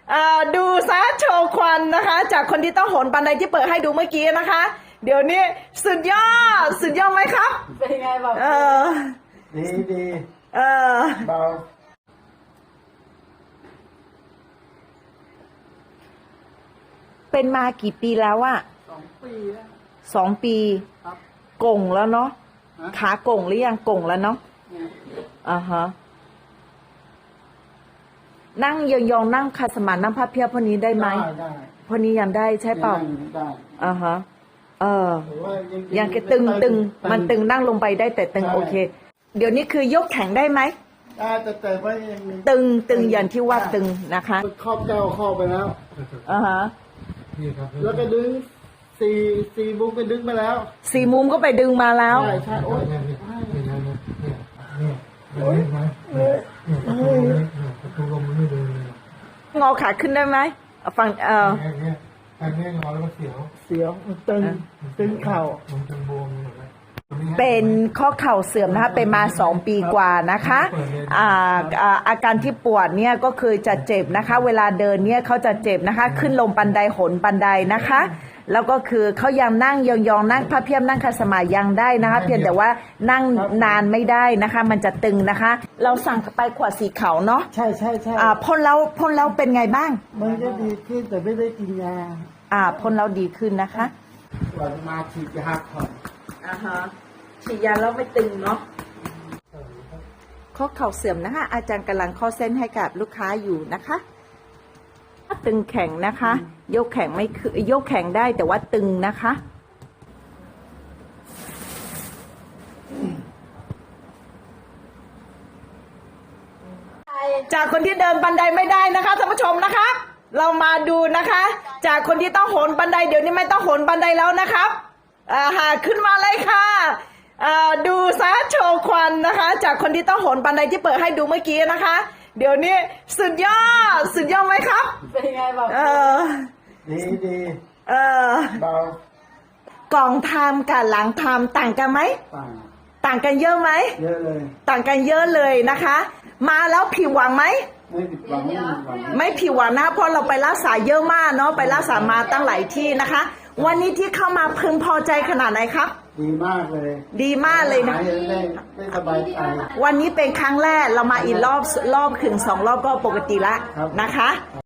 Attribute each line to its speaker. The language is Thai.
Speaker 1: ดูซะโชว์ควันนะคะ จากคนที่ต้องโหนบันไดที่เปิดให้ดูเมื่อกี้นะคะ เดี๋ยวนี้สุดยอดไหมครับ
Speaker 2: เป็นไงบอก
Speaker 3: ดีเบา
Speaker 1: เป็นมากี่ปีแล้วอะ
Speaker 2: 2 ปีแล้ว
Speaker 1: 2 ปี
Speaker 2: ครับ
Speaker 1: กงแล้วเนาะขากงหรือยังกงแล้วเนาะฮะนั่งยองๆนั่งคาสมานั่งพับเพียบพวกนี้ได้ไหม
Speaker 3: ได้
Speaker 1: พวกนี้ยังได้ใช่เปล่า
Speaker 3: ได้
Speaker 1: ฮะยังตึงมันตึงนั่งลงไปได้แต่ตึงโอเคเดี๋ยวนี้คือยกแข็งได้ไหม
Speaker 3: ได้แต่ว่ายัง
Speaker 1: ตึงอย่างที่ว่าตึงนะคะ
Speaker 3: ครอบเจ้าเข้าไปแล้ว
Speaker 1: ฮะ
Speaker 3: แล้วก็ดึงสี่มุมไปดึงมาแล้ว
Speaker 1: 4 มุมก็ไปดึงมาแล้ว
Speaker 3: ใช่โอ้ยประตูลมมันไม่เดินเลย
Speaker 1: งอขาขึ้นได้ไหมฟัง
Speaker 3: อันนี้งอแล้วก็เสียวมันตึงเข่ามันตึงบวม
Speaker 1: เป็นข้อเข่าเสื่อมนะคะเป็นมา2 ปีกว่านะคะอาการที่ปวดเนี่ยก็คือจะเจ็บนะคะเวลาเดินเนี่ยเขาจะเจ็บนะคะขึ้นลงบันไดหนบันไดนะคะแล้วก็คือเขายังนั่งยองๆนั่งพับเพียบนั่งคาสมายังได้นะคะเพียงแต่ว่านั่งนานไม่ได้นะคะมันจะตึงนะคะเราสั่งไปขวดสีขาวเนาะ
Speaker 3: ใช่
Speaker 1: พ่นแล้วเป็นไงบ้าง
Speaker 3: มันก็ดีขึ้นแต่ไม่ได้กินยา
Speaker 1: พ่นแล้วดีขึ้นนะคะ
Speaker 3: วันมาฉีดยาก่อน
Speaker 1: ฉีดยาแล้วไม่ตึงเนาะข้อเข่าเสื่อมนะคะอาจารย์กำลังข้อเส้นให้กับลูกค้าอยู่นะคะตึงแข็งนะคะยกแข็งไม่คือยกแข็งได้แต่ว่าตึงนะคะจากคนที่เดินบันไดไม่ได้นะคะท่านผู้ชมนะคะเรามาดูนะคะจากคนที่ต้องโหนบันไดเดี๋ยวนี้ไม่ต้องโหนบันไดแล้วนะครับขึ้นมาเลยค่ะดูซะโชว์ควันนะคะจากคนที่ต้องโหนบันไดที่เปิดให้ดูเมื่อกี้นะคะเดี๋ยวนี้สุดยอดไหมครับ
Speaker 2: เป็นไงบอก
Speaker 3: ดีเบ
Speaker 1: ากล่องทำกับหลังทำต่างกันไหมต่างกันเยอะไหม
Speaker 3: เยอะเลย
Speaker 1: ต่างกันเยอะเลยนะคะมาแล้วผิดหวังไหม
Speaker 3: ไม่ผิดหวัง
Speaker 1: ไม่ผิดหวังนะเพราะเราไปรักษาเยอะมากเนาะไปรักษามาตั้งหลายที่นะคะวันนี้ที่เข้ามาพึงพอใจขนาดไหนครับ
Speaker 3: ดีมากเลย
Speaker 1: นะ
Speaker 3: ได้สบายใจ
Speaker 1: วันนี้เป็นครั้งแรกเรามาอีกรอบถึง2 รอบก็ปกติละนะคะ